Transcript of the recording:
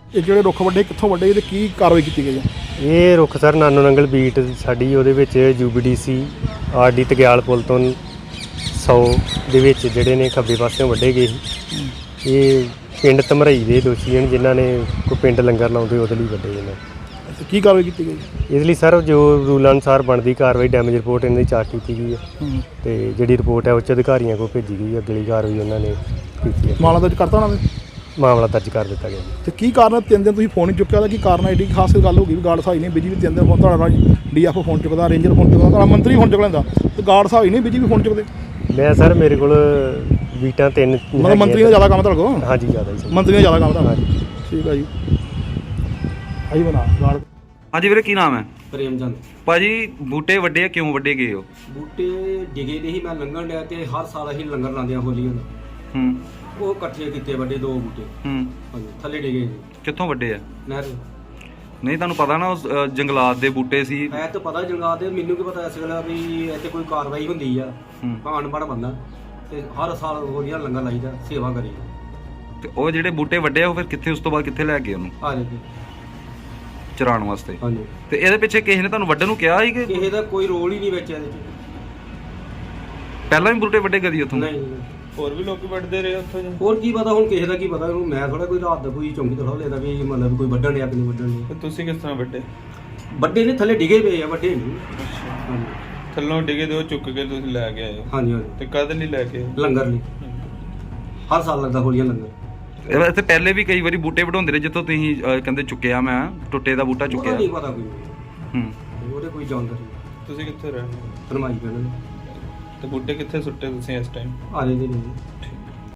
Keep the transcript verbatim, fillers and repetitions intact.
ਇਹ ਜਿਹੜੇ ਰੁੱਖ ਵੱਡੇ ਕਿੱਥੋਂ ਵੱਡੇ ਤੇ ਕੀ ਕਾਰਵਾਈ ਕੀਤੀ ਗਈ ਹੈ? ਇਹ ਰੁੱਖ ਸਰ ਨਾਨੋ ਨੰਗਲ ਬੀਟ ਸਾਡੀ ਉਹਦੇ ਵਿੱਚ U B D C R D ਤਗਿਆਲ ਪੁਲ ਤੋਂ ਸੌ ਦੇ ਵਿੱਚ ਜਿਹੜੇ ਨੇ ਖੱਬੇ ਪਾਸਿਓਂ ਵੱਢੇ ਗਏ ਸੀ। ਇਹ ਪਿੰਡ ਧਮਰਈ ਦੇ ਦੋਸ਼ੀ ਹਨ ਜਿਨ੍ਹਾਂ ਨੇ ਕੋਈ ਪਿੰਡ ਲੰਗਰ ਲਾਉਂਦੇ ਉਹਦੇ ਲਈ ਵੱਢੇ ਇਹਨਾਂ। ਅੱਛਾ, ਕੀ ਕਾਰਵਾਈ ਕੀਤੀ ਗਈ? ਇਸ ਲਈ ਸਰ ਜੋ ਰੂਲ ਅਨੁਸਾਰ ਬਣਦੀ ਕਾਰਵਾਈ ਡੈਮੇਜ ਰਿਪੋਰਟ ਇਹਨਾਂ ਦੀ ਚਾਰਟ ਕੀਤੀ ਗਈ ਹੈ ਤੇ ਜਿਹੜੀ ਰਿਪੋਰਟ ਹੈ ਉੱਚ ਅਧਿਕਾਰੀਆਂ ਕੋਲ ਭੇਜੀ ਗਈ ਹੈ। ਅਗਲੀ ਕਾਰਵਾਈ ਉਹਨਾਂ ਨੇ ਕੀਤੀ ਹੈ। ਮਾਮਲਾ ਦਰਜ ਕਰਤਾ ਉਹਨਾਂ ਨੇ? ਮਾਮਲਾ ਦਰਜ ਕਰ ਦਿੱਤਾ ਗਿਆ ਜੀ। ਤੇ ਕੀ ਕਾਰਨ ਹੈ ਤਿੰਨ ਦਿਨ ਤੁਸੀਂ ਫੋਨ ਨਹੀਂ ਚੁੱਕਿਆ? ਉਹਦਾ ਕੀ ਕਾਰਨ ਹੈ? ਐਡੀ ਖਾਸ ਗੱਲ ਹੋ ਗਈ ਵੀ ਗਾਰਡ ਸਾਹਿਬ ਨਹੀਂ ਬਿਜੀ ਵੀ ਤਿੰਨ ਦਿਨ ਫੋਨ ਤੁਹਾਡਾ ਡੀ ਐਫ ਓ ਫੋਨ ਚੁੱਕਦਾ, ਰੇਂਜਰ ਫੋਨ ਚੁੱਕਦਾ, ਤੁਹਾਡਾ ਮੰਤਰੀ ਫੋਨ ਚੁੱਕ ਲੈਂਦਾ ਤੇ ਗਾਰਡ ਸਾਹਿਬ ਹੀ ਨਹੀਂ ਬਿਜੀ ਵੀ ਫੋਨ ਚੁੱਕਦੇ। ਮੈਂ ਸਰ ਮੇਰੇ ਕੋਲ ਬੀਟਾਂ ਤਿੰਨ ਮਤਲਬ ਮੰਤਰੀ ਦਾ ਜ਼ਿਆਦਾ ਕੰਮ ਤੁਹਾਡੇ ਕੋਲ? ਹਾਂਜੀ ਜ਼ਿਆਦਾ ਜੀ। ਮੰਤਰੀ ਦਾ ਜ਼ਿਆਦਾ ਕੰਮ ਤੁਹਾਡਾ? ਠੀਕ ਹੈ ਜੀ। ਆਈ ਬਣਾ ਗਾਰਡ। ਹਾਂਜੀ ਵੀਰੇ, ਕੀ ਨਾਮ ਹੈ? ਪ੍ਰੇਮ ਚੰਦ। ਭਾਜੀ ਬੂਟੇ ਵੱਡੇ ਆ, ਕਿਉਂ ਵੱਡੇ ਗਏ ਹੋ? ਬੂਟੇ ਡਿਗੇ ਦੇ ਹੀ ਮੈਂ ਲੰਘਣ ਡਿਆ ਤੇ ਹਰ ਸਾਲ ਅਸੀਂ ਲੰਗਰ ਲਾਉਂਦੇ ਆ ਹੋਲੀ ਨੂੰ। ਹੂੰ ਉਹ ਇਕੱਠੇ ਕੀਤੇ ਵੱਡੇ ਦੋ ਬੂਟੇ। ਹੂੰ ਹਾਂਜੀ, ਥੱਲੇ ਡਿਗੇ ਜੀ ਕਿੱਥੋਂ ਵੱਡੇ ਆ? ਨਹਿਰ। ਨਹੀਂ ਤੁਹਾਨੂੰ ਪਤਾ ਨਾ ਉਸ ਅ, ਜੰਗਲਾਤ ਦੇ ਬੂਟੇ ਸੀ। ਮੈਂ ਤਾਂ ਪਤਾ ਜੰਗਾਂ ਦੇ, ਮੈਨੂੰ ਕੀ ਪਤਾ ਇਸ ਵੇਲੇ ਵੀ ਇੱਥੇ ਕੋਈ ਕਾਰਵਾਈ ਹੁੰਦੀ ਆ। ਹੂੰ ਭਾਣ ਬੜ ਬੰਦਾ ਤੇ ਹਰ ਸਾਲ ਹੋਲੀਆਂ ਲੰਗਰ ਲਾਈਦਾ, ਸੇਵਾ ਕਰੀ। ਤੇ ਉਹ ਜਿਹੜੇ ਬੂਟੇ ਵੱਡੇ ਆ ਉਹ ਫਿਰ ਕਿੱਥੇ, ਉਸ ਤੋਂ ਬਾਅਦ ਕਿੱਥੇ ਲੈ ਗਏ ਉਹਨੂੰ ਆ ਜੀ। ਚਰਾਉਣ ਵਾਸਤੇ? ਹਾਂਜੀ। ਤੇ ਇਹਦੇ ਪਿੱਛੇ ਕਿਸੇ ਨੇ ਤੁਹਾਨੂੰ ਵੱਢਣ ਨੂੰ ਕਿਹਾ ਸੀ ਕਿ ਕਿਸੇ ਦਾ ਕੋਈ ਰੋਲ ਹੀ ਨਹੀਂ ਵਿੱਚ ਇਹਦੇ 'ਚ। ਪਹਿਲਾਂ ਵੀ ਬੂਟੇ ਵੱਡੇ ਕਦੀ ਉੱਥੋਂ? ਨਹੀਂ। ਹੋਰ ਵੀ ਲੋਕੀ ਵੱਢਦੇ ਰਹੇ ਉੱਥੋਂ ਜੀ। ਹੋਰ ਕੀ ਪਤਾ ਹੁਣ ਕਿਸੇ ਦਾ ਕੀ ਪਤਾ ਉਹਨੂੰ। ਮੈਂ ਥੋੜਾ ਕੋਈ ਰਾਤ ਦਾ ਕੋਈ ਚੌਂਕੀ ਥੋੜਾ ਲੈਦਾ ਵੀ ਮਤਲਬ ਕੋਈ ਵੱਢਣ ਡਿਆ ਕਿ ਨਹੀਂ ਵੱਢਣ ਡਿਆ। ਤੇ ਤੁਸੀਂ ਕਿਸ ਤਰ੍ਹਾਂ ਵੱਢੇ? ਵੱਡੇ ਨੇ ਥੱਲੇ ਡਿਗੇ ਪਏ ਆ, ਵੱਡੇ ਨਹੀਂ। ਹਾਂਜੀ ਥੱਲੋਂ ਡਿੱਗੇ ਦੇ ਉਹ ਚੁੱਕ ਕੇ ਤੁਸੀਂ ਲੈ ਕੇ ਆਏ ਹੋ? ਹਾਂਜੀ ਹਾਂਜੀ। ਤੇ ਕਦ ਲਈ ਲੈ ਕੇ ਆਏ? ਲੰਗਰ ਲਈ ਹਰ ਸਾਲ ਲੱਗਦਾ ਹੋਲੀਆਂ ਲੰਗਰ। ਇਹ ਇੱਥੇ ਪਹਿਲੇ ਵੀ ਕਈ ਵਾਰੀ ਬੂਟੇ ਵਢਾਉਂਦੇ ਰਹੇ ਜਿੱਥੋਂ ਤੁਸੀਂ ਅ, ਕਹਿੰਦੇ ਚੁੱਕਿਆ ਮੈਂ ਟੁੱਟੇ ਦਾ ਬੂਟਾ ਉਹਦਾ ਚੁੱਕਿਆ। ਨਹੀਂ ਪਤਾ ਕੋਈ, ਹੂੰ ਉਹਦੇ ਕੋਈ ਜਾਣਕਾਰੀ ਨਹੀਂ। ਤੁਸੀਂ ਕਿੱਥੇ ਰਹਿੰਦੇ ਹੋ? ਫਰਮਾਈ ਕਰਨ ਤੇ ਬੂਟੇ ਕਿੱਥੇ ਸੁੱਟੇ ਤੁਸੀਂ ਇਸ ਟਾਈਮ? ਆ ਰਹੇ ਨੇ।